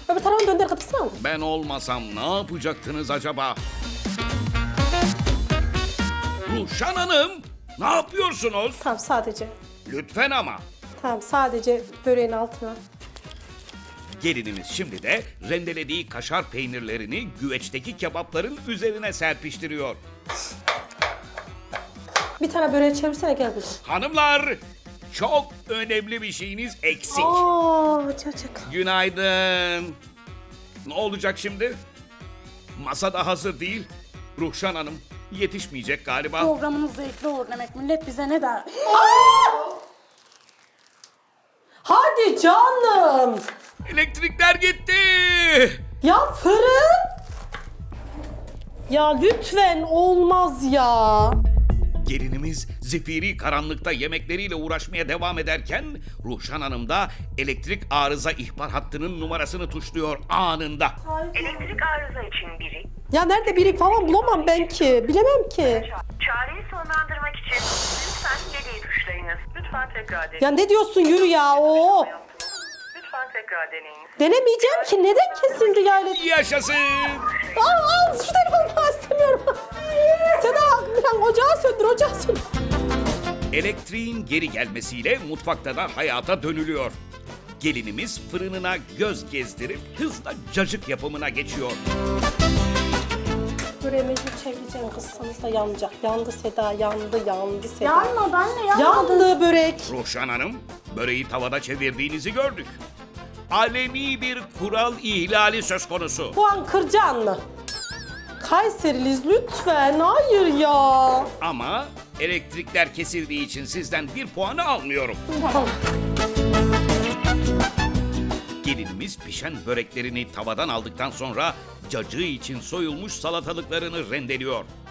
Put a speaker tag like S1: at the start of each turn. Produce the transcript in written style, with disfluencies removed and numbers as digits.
S1: Öbür tarafını döndür kapısına mı?
S2: Ben olmasam ne yapacaktınız acaba? Ruşen Hanım, ne yapıyorsunuz?
S1: Tamam sadece.
S2: Lütfen ama.
S1: Tamam sadece böreğin altına.
S2: Gelinimiz şimdi de rendelediği kaşar peynirlerini güveçteki kebapların üzerine serpiştiriyor.
S1: Bir tane böreği çevirsene gel kızım.
S2: Hanımlar, çok önemli bir şeyiniz eksik.
S1: Çocuk.
S2: Günaydın. Ne olacak şimdi? Masa da hazır değil. Ruhşan Hanım yetişmeyecek galiba.
S3: Programınız zevkli olur demek. Millet bize ne der?
S1: Hadi canım.
S2: Elektrikler gitti.
S1: Ya fırın. Ya lütfen olmaz ya.
S2: Gelinimiz zifiri karanlıkta yemekleriyle uğraşmaya devam ederken Ruhşan Hanım da elektrik arıza ihbar hattının numarasını tuşluyor anında.
S4: Elektrik arıza için biri.
S1: Ya nerede biri falan bulamam ben ki. Bilemem ki.
S4: Çareyi sonlandırmak için lütfen 7'yi tuşlayınız. Lütfen tekrar deneyin.
S1: Ya ne diyorsun yürü ya. Oo.
S4: Lütfen tekrar deneyiniz.
S1: Denemeyeceğim ki. Neden kesildi ya elektrik?
S2: Yaşasın.
S1: Al şu telefonu falan istemiyorum. Seda bir ocağı söndür ocağı söndür.
S2: Elektriğin geri gelmesiyle mutfakta da hayata dönülüyor. Gelinimiz fırınına göz gezdirip hızla cacık yapımına geçiyor.
S1: Böreği mecbur çevireceğim kızsanız da yanacak. Yandı Seda yandı Seda.
S3: Yanmadı anne, yanmadı.
S1: Yandı börek.
S2: Ruhşan Hanım, böreği tavada çevirdiğinizi gördük. Alemi bir kural ihlali söz konusu.
S1: Puan kıracaksın mı? Kayseriliyiz lütfen. Hayır ya.
S2: Ama elektrikler kesildiği için sizden bir puanı almıyorum.
S1: Tamam.
S2: Gelinimiz pişen böreklerini tavadan aldıktan sonra cacığı için soyulmuş salatalıklarını rendeliyor.